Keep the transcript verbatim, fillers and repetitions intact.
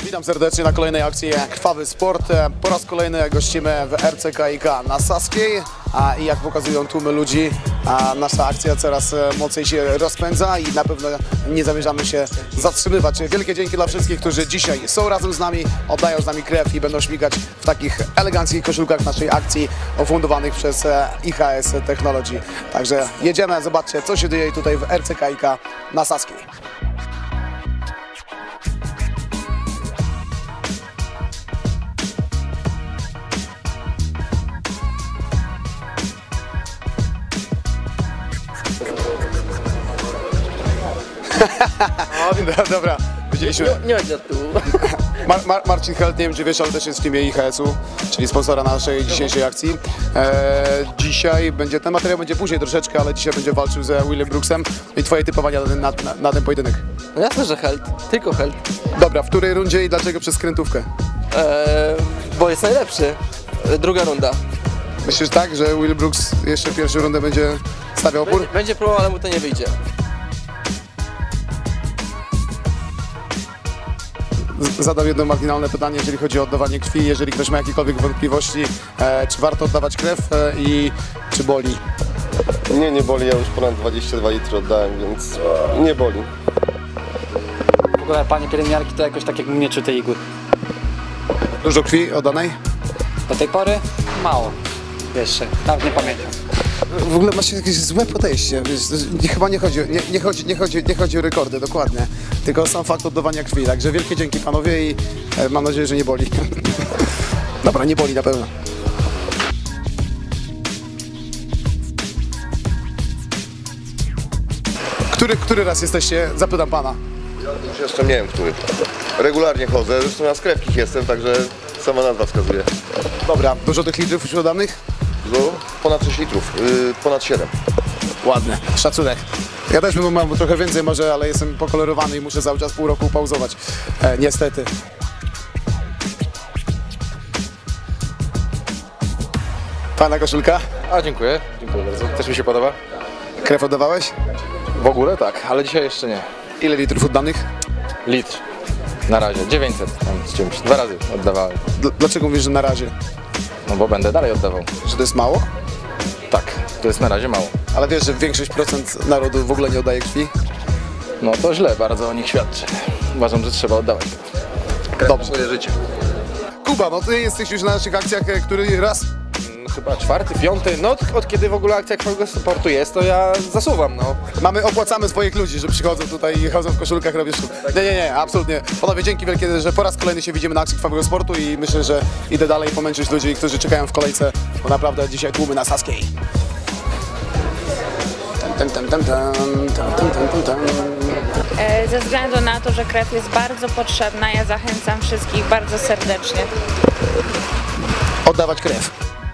Witam serdecznie na kolejnej akcji Krwawy Sport. Po raz kolejny gościmy w R C K i K na Saskiej a, i jak pokazują tłumy ludzi, a nasza akcja coraz mocniej się rozpędza i na pewno nie zamierzamy się zatrzymywać. Wielkie dzięki dla wszystkich, którzy dzisiaj są razem z nami, oddają z nami krew i będą śmigać w takich eleganckich koszulkach naszej akcji ofundowanych przez I H S Technology. Także jedziemy, zobaczcie, co się dzieje tutaj w R C K i K na Saskiej. No, dobra, widzieliśmy. Nie chodź od tu. Mar Mar Marcin Held, nie wiem czy wiesz, ale też jest w teamie I H S-u, czyli sponsora naszej dzisiejszej akcji. E, dzisiaj będzie, ten materiał będzie później troszeczkę, ale dzisiaj będzie walczył ze Willem Brooksem. I twoje typowania na, na, na, na ten pojedynek? No jasne, że Held, tylko Held. Dobra, w której rundzie i dlaczego przez skrętówkę? Eee, bo jest najlepszy. Druga runda. Myślisz tak, że Will Brooks jeszcze pierwszą rundę będzie stawiał opór? Będzie, będzie próbował, ale mu to nie wyjdzie. Zadam jedno marginalne pytanie, jeżeli chodzi o oddawanie krwi. Jeżeli ktoś ma jakiekolwiek wątpliwości, e, czy warto oddawać krew e, i czy boli? Nie, nie boli, ja już ponad dwadzieścia dwa litry oddałem, więc nie boli. W ogóle panie pielęgniarki to jakoś tak jakbym nie czuł tej igły. Dużo krwi oddanej? Do tej pory mało. Jeszcze, nawet nie pamiętam. W ogóle masz jakieś złe podejście, wiesz, nie, chyba nie chodzi, nie, nie, chodzi, nie, chodzi, nie chodzi o rekordy, dokładnie, tylko o sam fakt oddawania krwi, także wielkie dzięki panowie i e, mam nadzieję, że nie boli. Dobra, nie boli na pewno. Który, który raz jesteście, zapytam pana. Ja już jeszcze nie wiem, który. Regularnie chodzę, zresztą ja z krewkich jestem, także sama nazwa wskazuje. Dobra, dużo tych litrów już oddanych? No, ponad sześć litrów, yy, ponad siedem. Ładne, szacunek. Ja też bym mam trochę więcej może, ale jestem pokolorowany i muszę cały czas pół roku pauzować. E, niestety. Fajna koszulka? A dziękuję, dziękuję bardzo. Też mi się podoba. Krew oddawałeś? W ogóle tak, ale dzisiaj jeszcze nie. Ile litrów oddanych? Litr. Na razie, dziewięćset tam z czymś. Dwa razy oddawałem. D dlaczego mówisz, że na razie? No bo będę dalej oddawał. Że to jest mało? Tak, to jest na razie mało. Ale wiesz, że większość procent narodu w ogóle nie oddaje krwi? No to źle bardzo o nich świadczy. Uważam, że trzeba oddawać. Dobrze. Swoje życie. Kuba, no ty jesteś już na naszych akcjach, e, który raz? Chyba czwarty, piąty, no od, od kiedy w ogóle akcja Krwawego Sportu jest, to ja zasuwam, no. Mamy, opłacamy swoich ludzi, że przychodzą tutaj i chodzą w koszulkach, robisz. Nie, nie, nie, absolutnie. Panowie, dzięki wielkie, że po raz kolejny się widzimy na akcji Krwawego Sportu i myślę, że idę dalej pomęczyć ludzi, którzy czekają w kolejce, bo naprawdę dzisiaj tłumy na Saskiej. Tam, tam, tam, tam, tam, tam, tam, tam, tam. Ze względu na to, że krew jest bardzo potrzebna, ja zachęcam wszystkich bardzo serdecznie. Oddawać krew.